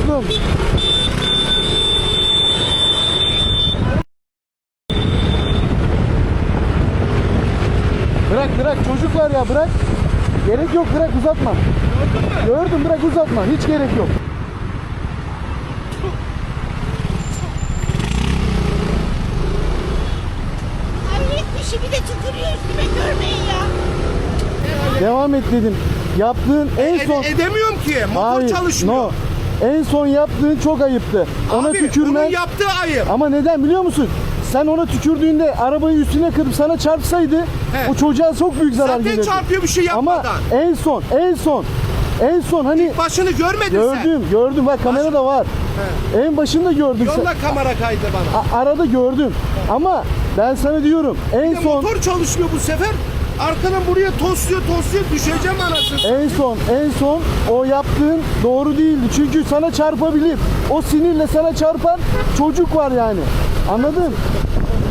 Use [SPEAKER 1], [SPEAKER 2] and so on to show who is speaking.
[SPEAKER 1] Durdum. Bırak çocuk var ya, bırak. Gerek yok, bırak, uzatma. Gördüm, bırak, uzatma. Hiç gerek yok.
[SPEAKER 2] Hayret bir şey, bir de tükürüyor üstüme, görmeyin ya.
[SPEAKER 1] Devam et dedim. Yaptığın en son...
[SPEAKER 3] Edemiyorum ki. Motor çalışmıyor.
[SPEAKER 1] No. En son yaptığın çok ayıptı. Ona
[SPEAKER 3] Abi
[SPEAKER 1] tükürmen...
[SPEAKER 3] onun yaptığı ayıp.
[SPEAKER 1] Ama neden biliyor musun? Sen ona tükürdüğünde arabayı üstüne kırıp sana çarpsaydı
[SPEAKER 3] He.
[SPEAKER 1] o çocuğa çok büyük zarar gelirdi.
[SPEAKER 3] Zaten çarpıyor bir şey
[SPEAKER 1] Ama
[SPEAKER 3] yapmadan.
[SPEAKER 1] en son hani
[SPEAKER 3] Başını görmedin sen.
[SPEAKER 1] gördüm bak, kamera da var. En başında gördüm.
[SPEAKER 3] Yolla kamera kaydı bana.
[SPEAKER 1] Arada gördüm. Ama ben sana diyorum en
[SPEAKER 3] Bir de
[SPEAKER 1] son
[SPEAKER 3] motor çalışmıyor bu sefer. Arkadan buraya tosluyor düşeceğim anasını.
[SPEAKER 1] en son o yaptığın doğru değildi. Çünkü sana çarpabilir. O sinirle sana çarpan çocuk var yani. Anladın?